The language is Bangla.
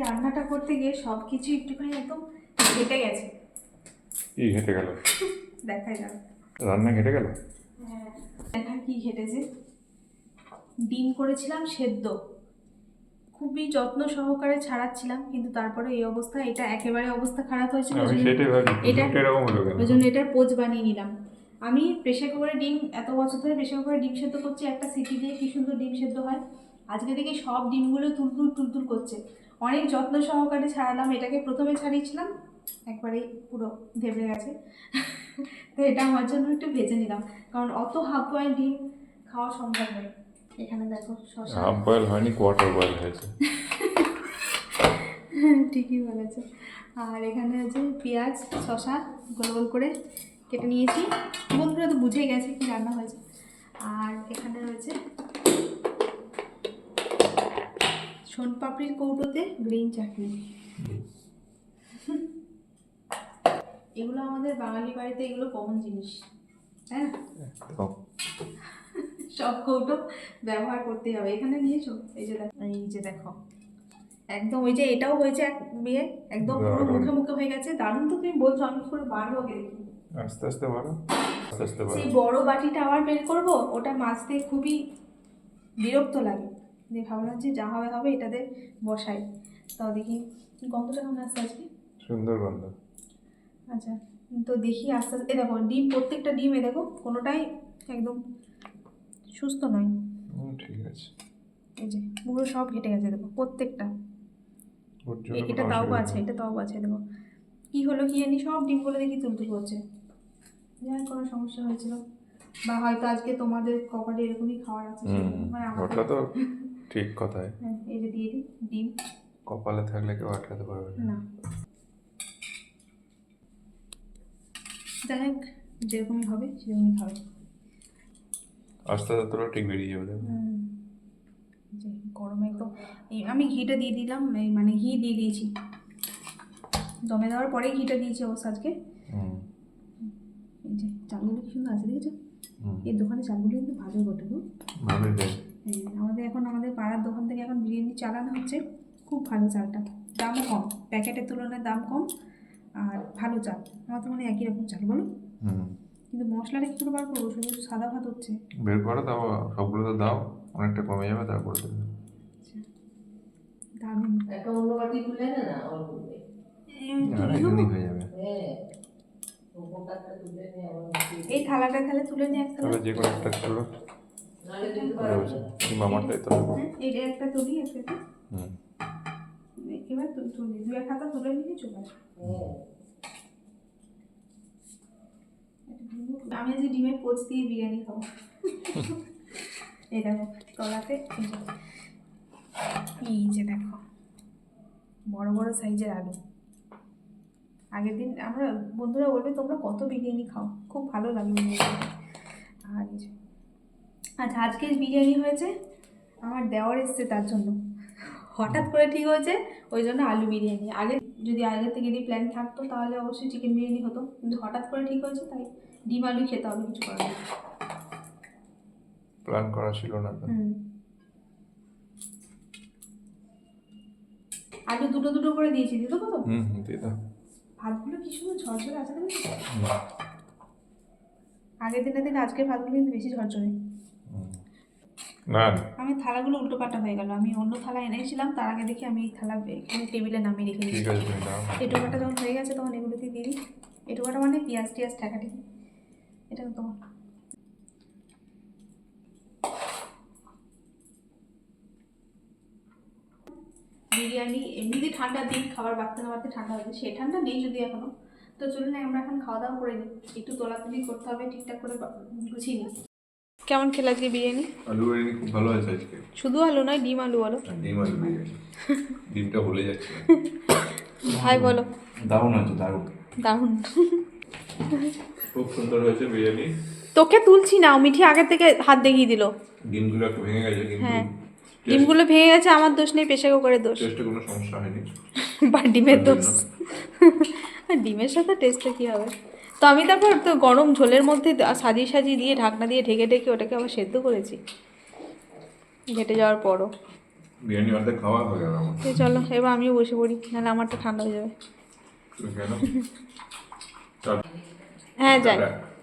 রান্নাটা করতে গিয়ে সব কিছু একটুখানি একদম ঘেটে গেছে। কি ঘেটে গেল? দেখাই যাক। রান্না ঘেটে গেল? হ্যাঁ, দেখা কি ঘেটেছে। ডিম করেছিলাম সেদ্ধ, খুবই যত্ন সহকারে ছাড়াচ্ছিলাম, কিন্তু তারপরে এই অবস্থা। এটা একেবারে অবস্থা খারাপ হয়েছিল। আমি সেটাই ভাবি এটা এরকম হলো কেন? ওই জন্য এটার পোচ বানিয়ে নিলাম। আমি প্রেশার কুকারে ডিম, এত বছর ধরে প্রেশার কুকারে ডিম সেদ্ধ করছি, একটা সিটি দিয়ে কি সুন্দর ডিম সেদ্ধ হয়। আজকে দেখি সব ডিমগুলো তুলতুল তুলতুল করছে। অনেক যত্ন সহকারে ছাড়ালাম। এটাকে প্রথমে ছাড়িয়েছিলাম, একবারেই পুরো ধেবড়ে গেছে। তো এটা আমার জন্য একটু ভেজে নিলাম, কারণ অত হাফ বয়েল ডিম খাওয়া সম্ভব নয়। এখানে দেখো শসা। হাফ বয়েল হয়নি, কোয়ার্টার বয়েল হয়েছে। ঠিকই বলেছে। আর এখানে আছে পেঁয়াজ শসা গোল গোল করে কেটে নিয়েছি। বন্ধুরা তো বুঝেই গেছে কি রান্না হয়েছে। আর এখানে রয়েছে সোনপাপড়ির কৌটোতে গ্রিন চাটনি। এগুলো আমাদের বাঙালি বাড়িতে এগুলো কমন জিনিস, তাই না? সব কৌটো ব্যবহার করতে হবে। এখানে নিয়েছো, এই যে দেখো একদম ওই যে এটাও হয়েছে এক বিয়ে, একদম পুরো মুখে মুখে হয়ে গেছে। দারুণ তো, তুমি বলছো, আমি পুরো বার হোক দেখি। আস্তে আস্তে বাড়ো, আস্তে আস্তে বাড়ো। সেই বড় বাটিটা আবার বের করবো, ওটা মাছতে খুবই বিরক্ত লাগে। দিয়ে ভাবলাম যে যা হবে হবে, এটাতে বসাই। তাও দেখি গন্ধটা কেমন আসছে আজকে। সুন্দর গন্ধ। আচ্ছা, তো দেখি আস্তে আস্তে। দেখো ডিম, প্রত্যেকটা ডিম দেখো কোনোটাই একদম সুস্থ নয়। ঠিক আছে, এই যে পুরো সব ঘেটে গেছে দেখো প্রত্যেকটা। এটা তাও আছে, এটা তাও আছে দেখো। কি হলো কি জানি, সব ডিমগুলো দেখি তুলতুল করছে। যার কোনো সমস্যা হয়েছিল, বা হয়তো আজকে তোমাদের কপালে এরকমই খাওয়ার আছে। ওটা তো ঠিক কথাই। হ্যাঁ, এই যে দিয়ে দিই ডিম। কপালে থাকলে কেউ আটকাতে পারবে না। যাই হোক, যেরকমই হবে সেরকমই খাবে। আস্তে আস্তে তোরা ঠিক বেরিয়ে যাবে। যে গরমে একদম আমি ঘিটা দিয়ে দিলাম, মানে ঘি দিয়ে দিয়েছি দমে দেওয়ার পরে, ঘিটা দিয়েছি অবশ্য আজকে। এই যে চালগুলো কি সুন্দর আছে দেখেছো। এই দোকানে চালগুলো কিন্তু ভালো বটে গো। ভালোই দেয়। হ্যাঁ, আমাদের পাড়ার দোকান থেকে এখন বিরিয়ানি চালানো হচ্ছে, খুব ভালো চালটা, দামও কম, প্যাকেটের তুলনায় দাম কম, আর ভালো চাল। আমার তো মনে হয় একই রকম চাল বলো। কিন্তু মশলাটা কি করে বার করবো, শুধু সাদা ভাত হচ্ছে। বের করো, তাও সবগুলো তো দাও, অনেকটা কমে যাবে, তারপরে দেবে। দারুণ। একটা অন্য বাটি তুলে নে না, অল্প করে। এখানেই হয়ে যাবে। হ্যাঁ, উপকারটা তুলে নে। এই থালাটা তাহলে তুলে নিয়ে এক থালা। তাহলে যে কোনো একটা তুলো। নাহলে দিতে পারবো না। মামারটাই তো। এটা একটা তুলি, একটা এবার তুলি, দু এক হাতা তুলে নিয়ে চলে আসবে। আমি আজকে ডিমের পোচ দিয়ে বিরিয়ানি খাবো। এই দেখো তলাতে এই যে দেখো বড় বড় সাইজের আলু। আগের দিন আমরা বন্ধুরা বলবে তোমরা কত বিরিয়ানি খাও, খুব ভালো লাগে বিরিয়ানি। আর এই যে আচ্ছা, আজকে বিরিয়ানি হয়েছে, আমার দেওয়ার এসছে তার জন্য, হঠাৎ করে ঠিক হয়েছে, ওই জন্য আলু বিরিয়ানি। যদি আগে থেকে প্ল্যান থাকতো তাহলে অবশ্যই চিকেন বিরিয়ানি হতো, কিন্তু হঠাৎ করে ঠিক হয়েছে, তাই ডিম আলু খেতে হবে, কিছু করার নেই। প্ল্যান করা ছিল না তো। আলু দুটো দুটো করে দিয়েছি, দিতে কত দিয়ে দাও। ভাতগুলো কি সুন্দর ঝরঝরে আছে না। আগের দিনের থেকে আজকের ভাতগুলো কিন্তু বেশি ঝরঝরে। না, আমি থালাগুলো উল্টো পাল্টা হয়ে গেল, আমি অন্য থালা এনেছিলাম, তার আগে দেখি আমি এই থালা এখানে টেবিলে নামিয়ে রেখে দিয়েছি। এই টোকাটা যখন হয়ে গেছে তখন এগুলোতে দিয়ে দিই। এই টোকাটা মানে পেঁয়াজ টিয়াজ ঠেকাঠেকি, এটা তো তোমার। বিরিয়ানি এমনিতে ঠান্ডা দিন, খাবার বাড়তে না বাড়তে ঠান্ডা হয়েছে, সে ঠান্ডা নেই যদি এখনো। তো চলুন আমরা এখন খাওয়া দাওয়া করে নিই, একটু তোলাতুলি করতে হবে, ঠিকঠাক করে গুছিয়ে নিই। কেমন খেলে আজকে বিরিয়ানি? আলু বিরিয়ানি খুব ভালো হয়েছে আজকে। শুধু আলু নয়, ডিম আলু বলো। ডিম আলু বিরিয়ানি, ডিমটা ভুলে যাচ্ছে। ভাই বলো। দারুণ আছে, দারুণ। দারুণ, খুব সুন্দর হয়েছে বিরিয়ানি। তোকে তুলছি না, মিঠি আগের থেকে হাত দেখিয়ে দিল। ডিমগুলো একটু ভেঙে গেছে, কিন্তু হ্যাঁ, ডিমগুলো ভেঙে গেছে, আমার দোষ নেই, প্রেশার কুকারের দোষ। টেস্টে কোনো সমস্যা হয়নি, বা ডিমের দোষ। ডিমের সাথে টেস্টে কী হবে। তো আমি তারপর তো গরম ঝোলের মধ্যে সাজিয়ে সাজিয়ে দিয়ে ঢাকনা দিয়ে ঢেকে ঢেকে ওটাকে আবার সেদ্ধ করেছি, ঘেটে যাওয়ার পরও। বিরিয়ানি অর্ধেক খাওয়া হয়ে গেল আমার। তো চলো এবার আমিও বসে পড়ি, নাহলে আমারটা ঠান্ডা হয়ে যাবে। তুমি খেয়ে নাও। চল হ্যাঁ যাই। টাটা।